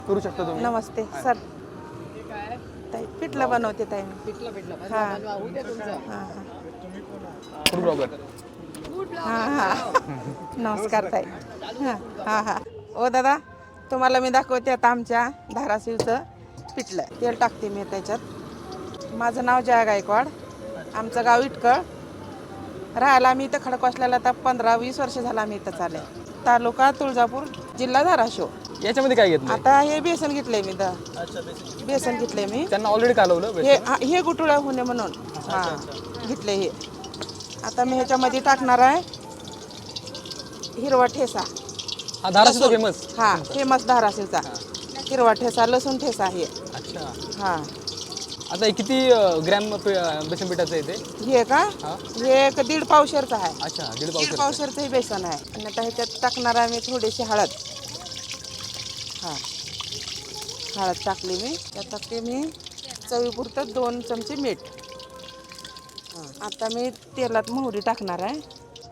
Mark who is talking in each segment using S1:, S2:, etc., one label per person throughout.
S1: करू शकता तुम्ही.
S2: नमस्ते सर. ताई पिठलं बनवते ताई मी.
S3: पिठलं
S2: हां
S3: होऊ द्या तुमचं.
S2: हां
S1: फूड ब्लॉगर.
S2: हां हां नमस्कार ताई. हां हां हां ओ दादा तुम्हाला मी दाखवते आता आमच्या धाराशिवचं पिठलं. तेल टाकते मी त्याच्यात. माझं नाव जया गायकवाड, आमचं गाव इटकळ. राहायला आम्ही इथं खडकवासल्याला आता 15-20 वर्ष झालं आम्ही इथं चालले. तालुका तुळजापूर, जिल्हा धाराशिव.
S1: याच्यामध्ये काय घेतलं?
S2: आता हे बेसन घेतलंय मी बेसन घेतलंय मी.
S1: त्यांना ऑलरेडी कालवलं
S2: हे गुटुळा होणे म्हणून हां घेतले हे. आता मी ह्याच्यामध्ये टाकणार आहे हिरवा ठेसा.
S1: हा धाराशिवचा फेमस.
S2: हां फेमस धाराशिवचा हिरवा ठेसा, लसूण ठेसा हे.
S1: अच्छा.
S2: हां
S1: आता हे किती ग्रॅम बेसन पिठाचं आहे ते?
S2: हे का
S1: हां.
S2: हे 1.5 पावशेरचं आहे.
S1: अच्छा, 1.5
S2: 1.5
S1: पावशेर.
S2: पावशेरचं हे बेसन आहे. आणि आता ह्याच्यात टाकणार आहे मी थोडीशी हळद. हां हळद टाकली मी. त्यात टाकते मी चवीपुरतं 2 चमचे मीठ. हां आता मी तेलात मोहरी टाकणार आहे.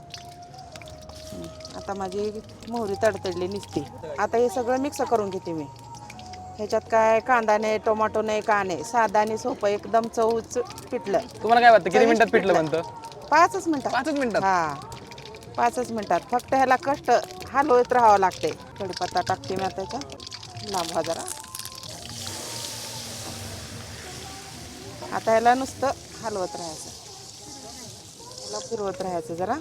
S2: आता माझी मोहरी तडतडली निघते. आता हे सगळं मिक्स करून घेते मी. ह्याच्यात काय कांदा नाही, टोमॅटो नाही, का नाही, साधा आणि सोपं एकदम चवच पिठलं.
S1: तुम्हाला काय वाटतं किती मिनिटात पिठलं बनतं?
S2: 5च मिनिटात.
S1: 5च मिनिटात?
S2: हां 5च मिनिटात. फक्त ह्याला कष्ट हलवत राहावं लागते. कढीपत्ता टाकते मी आता त्याच्यात. लांबवा जरा. आता ह्याला नुसतं हलवत राहायचं. ह्याला फिरवत राहायचं जरा.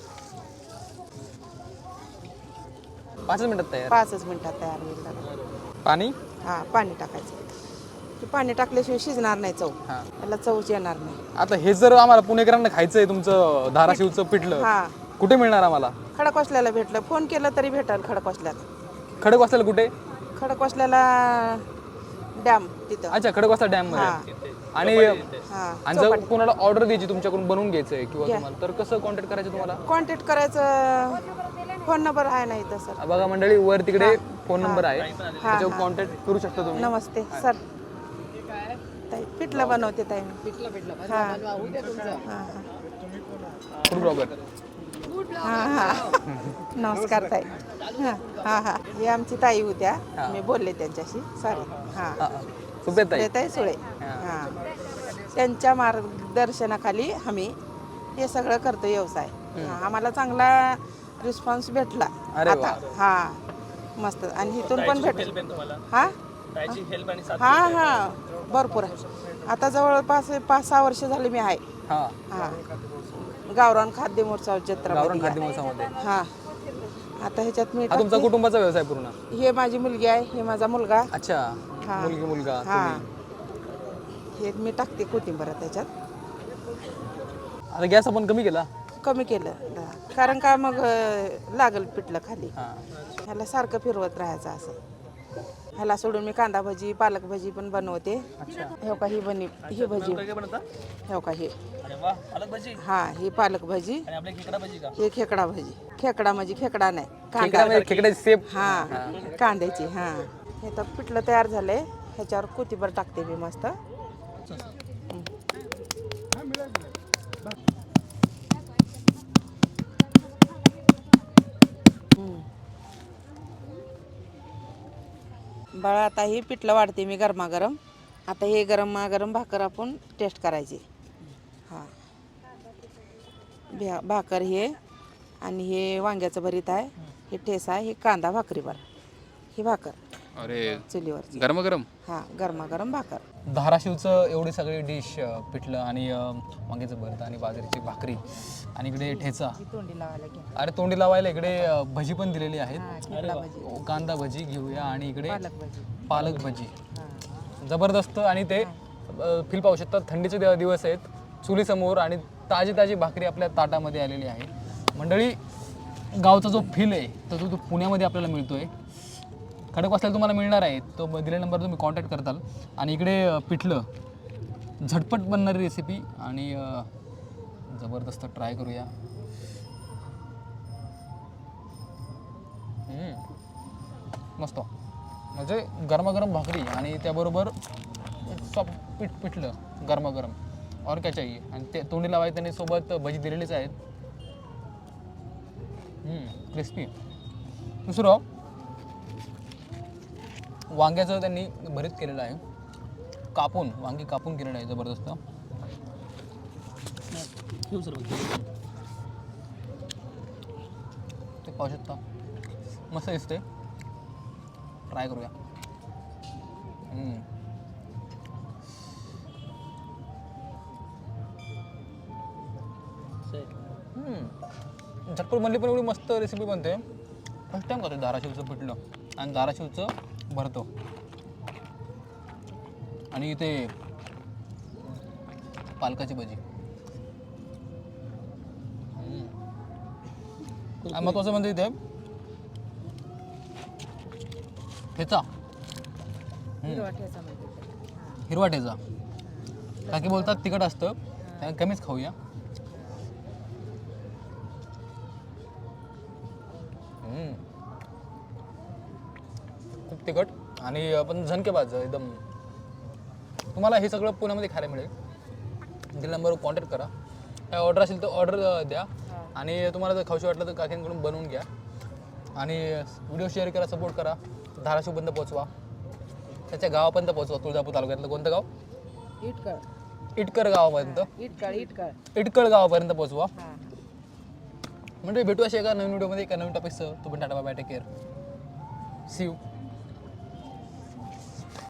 S1: 5च मिनिटात तयार.
S2: 5च मिनिटात तयार होईल दादा.
S1: पाणी?
S2: हां पाणी टाकायचं. ते पाणी टाकल्याशिवाय शिजणार नाही चव.
S1: हां.
S2: त्याला चवच येणार नाही.
S1: आता हे जर आम्हाला पुणेकरांना खायचं आहे तुमचं धाराशिवचं पिठलं,
S2: हां
S1: कुठे मिळणार आम्हाला?
S2: खडकवासल्याला भेटलं. फोन केला तरी भेटेल खडकवासल्याला.
S1: खडकवासला कुठे?
S2: खडकवासल्याला डॅम तिथं.
S1: अच्छा, खडकवासला डॅम मध्ये. आणि
S2: हां
S1: जर कोणाला ऑर्डर द्यायची तुमच्याकडून बनवून घ्यायचंय किंवा तुम्हाला, तर कसं कॉन्टॅक्ट करायचं तुम्हाला?
S2: कॉन्टॅक्ट करायचं. फोन नंबर आहे ना इथं सर.
S1: बघा मंडळी, वर तिकडे फोन नंबर आहे, त्याच्यावर
S2: हां.
S1: कॉन्टॅक्ट करू शकता तुम्ही.
S2: नमस्ते सर. ताई पिठलं बनवते ताई मी. हां
S3: होऊ द्या तुमचं.
S2: हां
S1: फूड ब्लॉगर.
S2: हां हां नमस्कार ताई. हां हां हां हे आमची ताई होत्या. मी बोलले त्यांच्याशी. सॉरी. हां
S1: सुप्रिया ताई.
S2: ताई सुळे. हां त्यांच्या मार्गदर्शनाखाली आम्ही हे सगळं करतो व्यवसाय. हां आम्हाला चांगला रिस्पॉन्स भेटला.
S1: अरे
S2: आता हां मस्त. आणि इथून पण भेटेल. हां हां हां भरपूर आहे. आता जवळपास 5-6 वर्ष झाले मी आहे.
S1: हां.
S2: हां गावरान खाद्य महोत्सव जत्रा.
S1: गावरान खाद्य महोत्सवामध्ये.
S2: हां आता ह्याच्यात मी
S1: हा तुमचा कुटुंबाचा व्यवसाय पूर्ण?
S2: हे माझी मुलगी आहे, हे माझा मुलगा.
S1: अच्छा.
S2: हां.
S1: मुलगी मुलगा
S2: हां
S1: तुम्ही.
S2: हे मी टाकते कोथिंबीर त्याच्यात.
S1: आता गॅस आपण कमी केला?
S2: कमी केलं कारण का मग लागल पिठलं खाली.
S1: हां.
S2: ह्याला सारखं फिरवत राहायचं असं. ह्याला सोडून मी कांदा भजी, पालक भजी पण बनवते.
S1: अच्छा.
S2: हे का ही ही भजी. हे का हे. हां ही पालक भजी. हे खेकडा भजी. खेकडा म्हणजे खेकडा नाही, कांदा.
S1: खेकड्याची सेप.
S2: हां कांद्याची. हां हे तर पिठलं तयार झालंय. ह्याच्यावर कोथिंबीर टाकते मी मस्त. बाळा आता ही पिठलं वाढते मी गरमागरम. आता हे गरमागरम भाकर आपण टेस्ट करायची. हां भाकर हे आणि हे वांग्याचं भरीत आहे, हे ठेसा आहे, हे कांदा भाकरीवर, ही भाकर.
S1: अरे
S2: चुलीवर.
S1: गरम.
S2: हां गरमागरम भाकर.
S1: धाराशिवचं एवढी सगळी डिश, पिठलं आणि वांग्याचं भरतं आणि बाजरीची भाकरी आणि इकडे ठेचा.
S2: तोंडी लावायला घ्या.
S1: अरे तोंडी लावायला इकडे भजी पण दिलेली आहेत.
S2: खेकडा भजी,
S1: कांदा भजी घेऊया आणि इकडे
S2: पालक भजी.
S1: पालक भजी.
S2: हां
S1: जबरदस्त. आणि ते फील पाहू शकतात, थंडीचे दिवस आहेत, चुलीसमोर आणि ताजी ताजी भाकरी आपल्या ताटामध्ये आलेली आहे. मंडळी, गावचा जो फील आहे तो पुण्यामध्ये आपल्याला मिळतोय. खडकवासल्याला तुम्हाला मिळणार आहे, तो दिलेल्या नंबर तुम्ही कॉन्टॅक्ट करताल. आणि इकडे पिठलं झटपट बनणारी रेसिपी आणि जबरदस्त ट्राय करूया. मस्त. म्हणजे गरमागरम भाकरी आणि त्याबरोबर सॉफ्ट पिठलं गरमागरम, और काय चाहिए. आणि ते तोंडी लावायचं त्यांनी सोबत भजी दिलेलीच आहेत. क्रिस्पी. दुसरं वांग्याचं त्यांनी भरीत केलेलं आहे, कापून वांगी कापून केलेलं आहे जबरदस्त. ते पाहू शकता, मस्त दिसते. ट्राय करूया. झटपट बनली पण एवढी मस्त रेसिपी बनते. फर्स्ट टाइम खातो धाराशिवचं पिठलं आणि धाराशिवचं भरतो. आणि इथे पालकाची भजी. आणि महत्वाचं म्हणजे इथे ठेचा, हिरवा ठेचा. काकी बोलतात तिखट असतं, त्या कमीच खाऊया. खूप तिखट आणि पण झणकेबाज एकदम. तुम्हाला हे सगळं पुण्यामध्ये खायला मिळेल. दिल नंबरवर कॉन्टॅक्ट करा. काय ऑर्डर असेल तर ऑर्डर द्या. आणि तुम्हाला जर खाऊशी वाटलं तर काकींकडून बनवून घ्या. आणि व्हिडिओ शेअर करा, सपोर्ट करा. धाराशिवपर्यंत पोहोचवा, त्याच्या गावापर्यंत पोहोचवा. तुळजापूर तालुक्यातलं कोणतं गाव? इटकर गावापर्यंत. इटकळ गावापर्यंत पोहोचवा. म्हणजे भेटू अशा एका नवीन व्हिडिओमध्ये एका नवीन टॉपिकसह. तो पण tata bye, take care, see you.